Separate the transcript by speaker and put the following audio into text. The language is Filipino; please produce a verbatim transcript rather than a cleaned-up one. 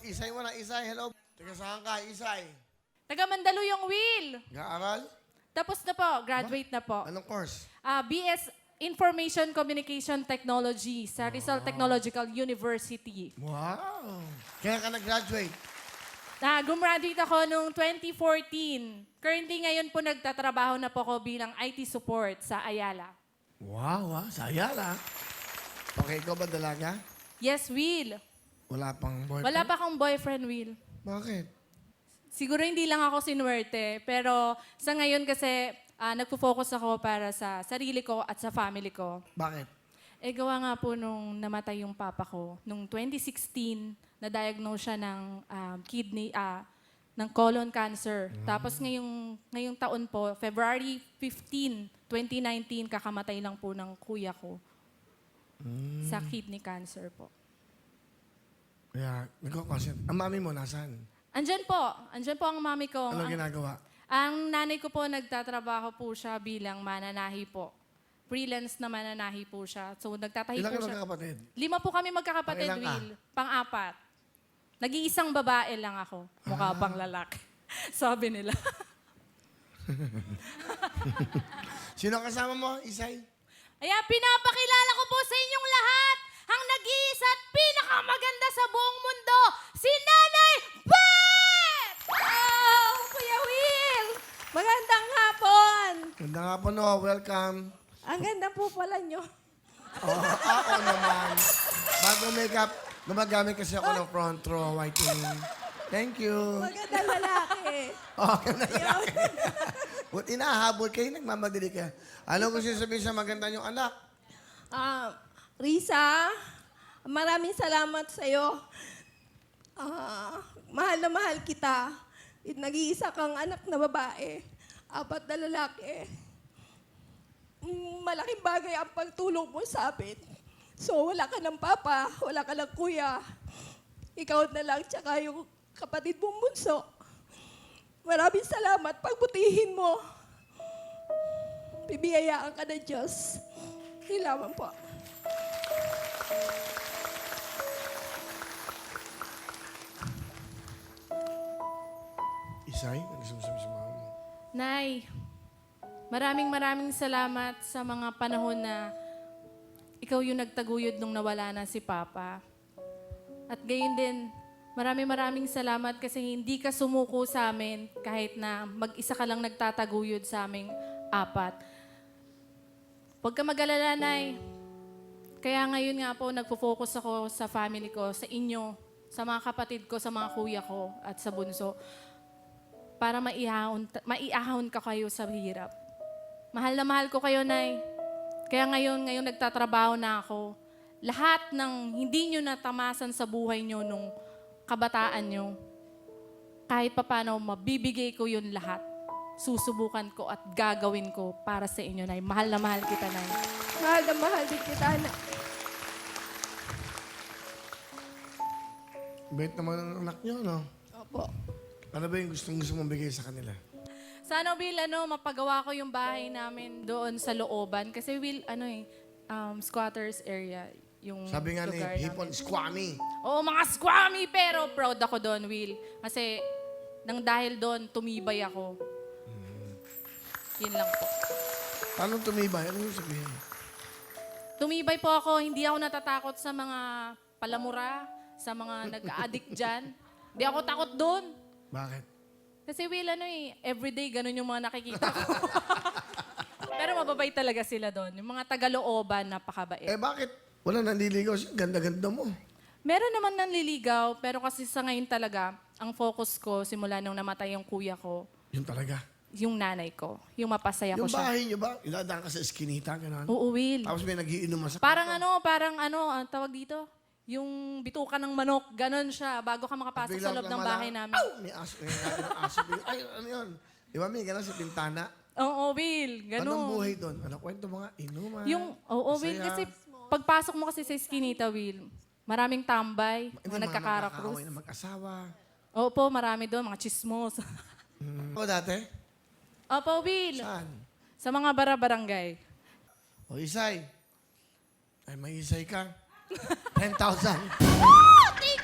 Speaker 1: Isay mo na, Isay. Hello. Taga saan ka, Isay?
Speaker 2: Taga Mandaluyong, Will.
Speaker 1: Nag-aaral?
Speaker 2: Tapos na po, graduate na po.
Speaker 1: Anong course?
Speaker 2: Ah, B S Information Communication Technology sa Rizal Technological University.
Speaker 1: Wow. Kaya ka nag-graduate?
Speaker 2: Na gumraduate ako noong twenty fourteen. Currently ngayon po nagtatrabaho na po ako bilang I T support sa Ayala.
Speaker 1: Wow, ah. Saya lang. Okay, ikaw ba dalaga?
Speaker 2: Yes, Will.
Speaker 1: Wala pang boyfriend?
Speaker 2: Wala pa akong boyfriend, Will.
Speaker 1: Bakit?
Speaker 2: Siguro hindi lang ako sinuwerte, pero sa ngayon kasi ah, nagpo-focus ako para sa sarili ko at sa family ko.
Speaker 1: Bakit?
Speaker 2: Eh, gawa nga po nung namatay yung papa ko. Nung twenty sixteen, na-diagnose siya ng um, kidney, ah, ng colon cancer. Tapos ngayong, ngayong taon po, February fifteenth, twenty nineteen, kakamatay lang po ng kuya ko sa kidney cancer po.
Speaker 1: Kaya, nagko-consent. Ang mami mo, nasaan?
Speaker 2: Andyan po. Andyan po ang mami ko.
Speaker 1: Ano
Speaker 2: Ang-
Speaker 1: ginagawa?
Speaker 2: Ang nanay ko po, nagtatrabaho po siya bilang mananahi po. Freelance na mananahi po siya. So, nagtatahi
Speaker 1: Ilan
Speaker 2: po
Speaker 1: kayo
Speaker 2: siya.
Speaker 1: magkakapatid?
Speaker 2: Lima po kami magkakapatid,
Speaker 1: Pangilan ka?
Speaker 2: Will. Pang-apat. Nag-iisang babae lang ako. Mukha
Speaker 1: Ah.
Speaker 2: pang lalaki. Sabi nila.
Speaker 1: Sino kasama mo, Isay?
Speaker 2: Kaya pinapakilala ko po sa inyong lahat ang nag-iisa at pinakamaganda sa buong mundo, si Nanay Bet!
Speaker 3: Oh, Kuya Will! Magandang hapon!
Speaker 1: Ganda nga po, no. Welcome.
Speaker 3: Ang ganda po pala nyo.
Speaker 1: Oh, ako naman. Bago makeup, gumagamit kasi ako ng front row whitening. Thank you.
Speaker 3: Magandang lalaki.
Speaker 1: Oh, ganda lalaki. Buti inahabol kayo, nagmamadali ka. Ano gusto sabihin sa maganda niyong anak?
Speaker 3: Ah, Risa, maraming salamat sa iyo. Ah, mahal na mahal kita. At nag-iisa kang anak na babae. Apat na lalaki. Mm, Malaking bagay ang pagtulong mo sa amin. So, wala ka ng papa, wala ka ng kuya. Ikaw na lang, tsaka yung kapatid mong bunso. Maraming salamat. Pagbutihin mo. Bibiyayaan ka ng Diyos. Hilaman po.
Speaker 1: Isay, ano gusto mo sabihin sa mama mo?
Speaker 2: Nay, maraming maraming salamat sa mga panahon na ikaw yung nagtaguyod nung nawala na si Papa. At gayon din, maraming maraming salamat kasi hindi ka sumuko sa amin kahit na mag-isa ka lang nagtataguyod sa aming apat. Huwag ka mag-alala, Nay. Kaya ngayon nga po, nagpo-focus ako sa family ko, sa inyo, sa mga kapatid ko, sa mga kuya ko, at sa bunso para maiahon, maiahon ka kayo sa hirap. Mahal na mahal ko kayo, Nay. Kaya ngayon, ngayon nagtatrabaho na ako. Lahat ng hindi nyo natamasan sa buhay nyo nung kabataan nyo, kahit papano, mabibigay ko yun lahat. Susubukan ko at gagawin ko para sa inyo, Nay. Mahal na mahal kita, Nay.
Speaker 3: Mahal na mahal din kita, anak.
Speaker 1: Bait naman ang anak niyo, no?
Speaker 3: Opo.
Speaker 1: Ano ba yung gustong gusto mong bigay sa kanila?
Speaker 2: Sana, Will, ano, mapagawa ko yung bahay namin doon sa looban. Kasi, Will, ano eh, um, squatters area, yung
Speaker 1: Sabi nga ni
Speaker 2: lugar
Speaker 1: Hipon,
Speaker 2: namin.
Speaker 1: squammy.
Speaker 2: Oo, mga squammy, pero proud ako doon, Will. Kasi, nang dahil doon, tumibay ako. Yun lang po.
Speaker 1: Paano tumibay? Ano yung sabihin?
Speaker 2: Tumibay po ako, hindi ako natatakot sa mga palamura, sa mga nag-addict dyan. Hindi ako takot doon.
Speaker 1: Bakit?
Speaker 2: Kasi Will, ano eh, everyday ganun yung mga nakikita ko. Pero mababait talaga sila doon. Yung mga taga-looban, napakabait.
Speaker 1: Eh bakit? Wala nanliligaw siya. Ganda-ganda mo.
Speaker 2: Meron naman nanliligaw, pero kasi sa ngayon talaga, ang focus ko simula nung namatay yung kuya ko,
Speaker 1: Yun talaga.
Speaker 2: yung nanay ko. Yung mapasaya ko
Speaker 1: Yung
Speaker 2: siya.
Speaker 1: bahay niyo ba? Iladaan ka sa eskinita, gano'n.
Speaker 2: Oo, Will.
Speaker 1: Tapos may nagiinom sa
Speaker 2: Parang ano, parang ano, ang tawag dito? Yung bituka ng manok, ganon siya, bago ka makapasok sa
Speaker 1: Biglang
Speaker 2: loob ng
Speaker 1: namala,
Speaker 2: bahay namin.
Speaker 1: Aw! May aso. May aso. Ay, ano yun? Di ba may gano'n sa bintana?
Speaker 2: Oo, Will, ganon.
Speaker 1: Anong buhay doon? Ano kwento mga inuman?
Speaker 2: Yung, oo, Will,
Speaker 1: masaya.
Speaker 2: kasi pagpasok mo kasi sa Eskinita, Will, maraming tambay,
Speaker 1: Hindi,
Speaker 2: mga
Speaker 1: mga
Speaker 2: nagkakarakrus.
Speaker 1: nakakaaway na mag-asawa.
Speaker 2: Opo, marami doon, mga chismos.
Speaker 1: Hmm. Ako dati?
Speaker 2: Opo, Will,
Speaker 1: Saan?
Speaker 2: sa mga bara-barangay.
Speaker 1: O, Isay. Ay, may Isay ka. ten thousand.
Speaker 2: Oh, thank